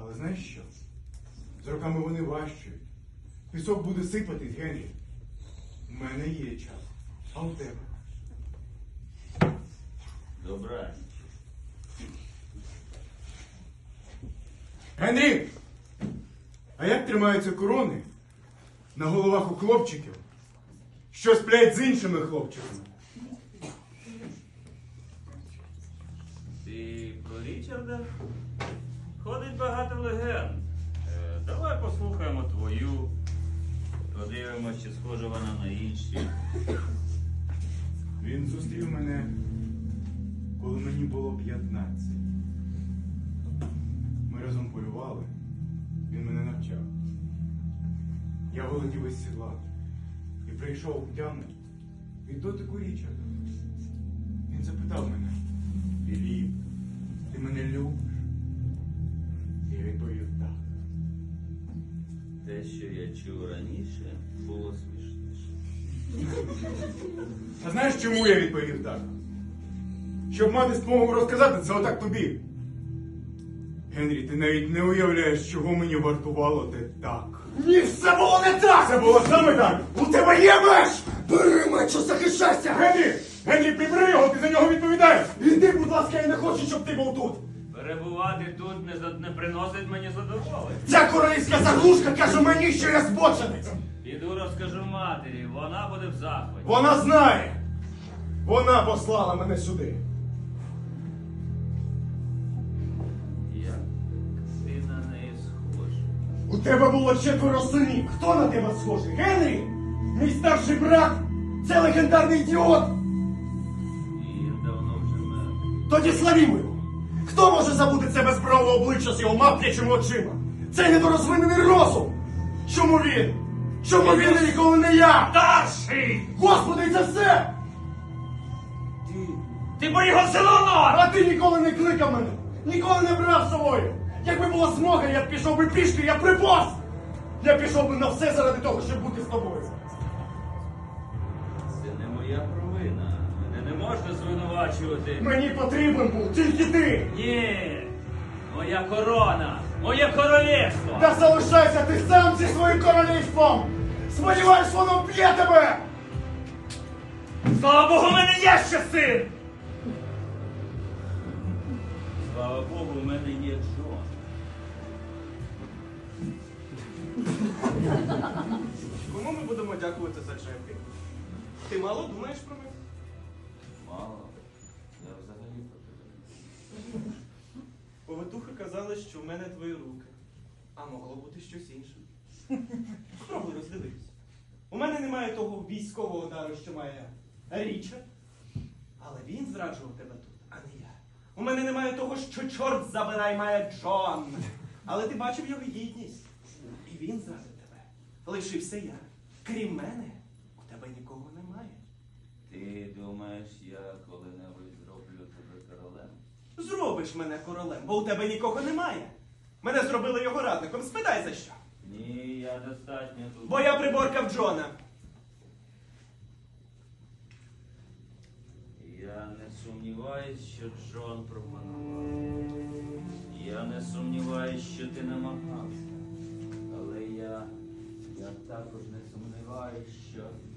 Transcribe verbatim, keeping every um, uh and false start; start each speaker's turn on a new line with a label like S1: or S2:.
S1: Але знаєш що? З роками вони важчають. Пісок буде сипатись, Генрі. У мене є час. А у тебе?
S2: Добраніч.
S1: Генрі! А як тримаються корони на головах у хлопчиків, що сплять з іншими хлопчиками?
S2: Ти про Річарда? Ходить багато легенд. Е, давай послухаємо твою. Подивимось, чи схожа вона на інші.
S1: Він зустрів мене, коли мені було п'ятнадцять. Ми разом полювали. Він мене навчав. Я володів із сідла і прийшов в тяму від дотику Річарда. Він запитав мене: Філіп, ти мене любиш? І я відповів: так.
S2: Те, що я чув раніше, було смішніше.
S1: А знаєш, чому я відповів так? Щоб мати змогу розказати це отак тобі. Генрі, ти навіть не уявляєш, чого мені вартувало те так.
S3: Ні, все було не так!
S1: Це було саме так!
S3: У тебе є меч! Бери меч, що захищайся!
S1: Генрі! Генрі, прибери його, ти за нього відповідаєш!
S3: Іди, будь ласка, я не хочу, щоб ти був тут!
S2: Перебувати тут не, за- не приносить мені задоволення.
S3: Ця королівська заглушка каже мені, що я збоченець!
S2: Піду розкажу матері, вона буде в захваті.
S3: Вона знає! Вона послала мене сюди!
S2: Як ти на неї схожий.
S3: У тебе було четверо синів. Хто на тебе схожий? Генрі? Мій старший брат? Це легендарний ідіот?
S2: Він давно вже мертвий.
S3: Тоді славімо його! Хто може забути це безбраве обличчя з його маплячими очима? Цей недорозвинений розум! Чому він? Чому він і ніколи не я?
S2: Старший!
S3: Господи, це все!
S2: Ти... Ти поїхав в село Нор!
S3: А ти ніколи не кликав мене! Ніколи не брав з собою! Якби була змога, я б пішов би пішки, я б приповз! Я пішов би на все заради того, щоб бути з тобою!
S2: Це не моя провина. Мене не можна звинувачувати.
S3: Мені потрібен був тільки ти!
S2: Ні! Моя корона! Моє королівство!
S3: Та залишайся ти сам зі своїм королівством! Сподіваюсь, воно вб'є тебе!
S2: Слава Богу, у мене є ще син! Слава Богу, у мене є Джон.
S4: Кому ми будемо дякувати за Джефрі? Ти мало думаєш про мене?
S2: Мало. Я взагалі про тебе.
S4: Повитухи казали, що в мене твої руки. А могло бути щось інше. Спробуй роздивитися. У мене немає того військового дару, що має Річард. Але він зраджував тебе тут, а не я. У мене немає того, що чорт забирай має Джон. Але ти бачив його гідність. І він зрадив тебе. Лишився я. Крім мене, у тебе нікого немає.
S2: Ти думаєш, я коли-небудь зроблю тебе королем?
S4: Зробиш мене королем, бо у тебе нікого немає. Мене зробили його радником. Спитай за що.
S2: Ні, я достатньо тут.
S4: Бо я приборкав Джона.
S2: Я не сумніваюсь, що Джон пропонував. Я не сумніваюсь, що ти намагався. Але я, я також не сумніваюсь, що